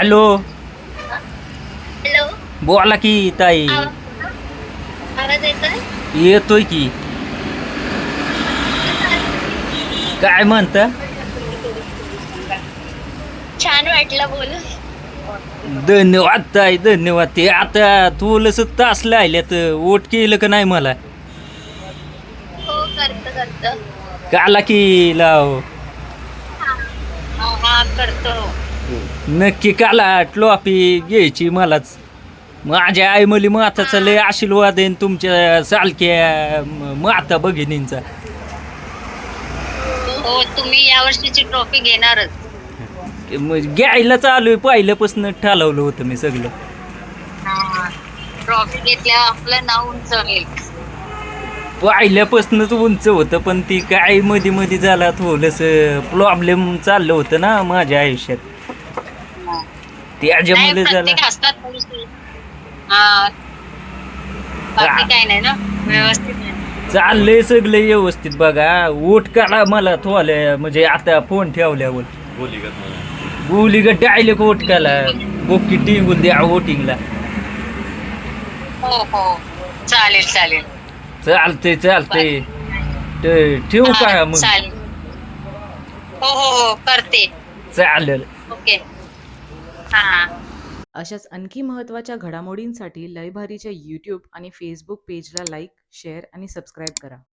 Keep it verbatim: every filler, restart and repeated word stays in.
Hello. Hello. बोला की ताई. आवाज आवाज येतोय? येतोय की. कसं आहात तुम्ही? काय म्हणता? छान वाटलं बोलून. धन्यवाद ताई, धन्यवाद. ते आता थोडस तास लायल्यात, वोट केलं का नाही मला? हो, करतो करतो. काला की लाव. हा हा करतो. नक्की काला. ट्रॉफी घ्यायची मलाच. माझ्या आई मुली माताचा हा लय आशीर्वाद आहे, तुमच्या सारख्या म- माता भगिनींचा. हो, तुम्ही या वर्षीची ट्रॉफी घेणारच. मग घ्यायला चालू आहे, पहिल्यापासून ठरवलं होतं मी सगळं. हा, ट्रॉफी घेतल्यावर आपलं नाव उंच होईल. पहिल्यापासूनच उंच होतं, पण ती काय मध्ये मध्ये झाला थोडस प्रॉब्लेम चाललं होतं ना माझ्या आयुष्यात. हा. नाही, त्याच्यामुळे झाला. प्रत्येक असतात थोडीशी. हा, बाकी काय नाही ना, व्यवस्थित आहे. चाललंय सगळं व्यवस्थित बघा. वोट काढा मला थोड्या, म्हणजे आता फोन ठेवल्यावर गोली ग डायलेक्ट वोट काढा. बोकी टिंगून द्या वोटिंगला. हो हो, चालेल चालेल. चालतंय चालतंय. बाकी ट- ठेवू हा, का मग? चालेल. हो हो हो, करते. चालेल. ओके. हा. अशाच आणखी महत्त्वाच्या घडामोडींसाठी लयभारीच्या यूट्यूब आणि फेसबुक पेजला लाईक, शेअर आणि सबस्क्राईब करा.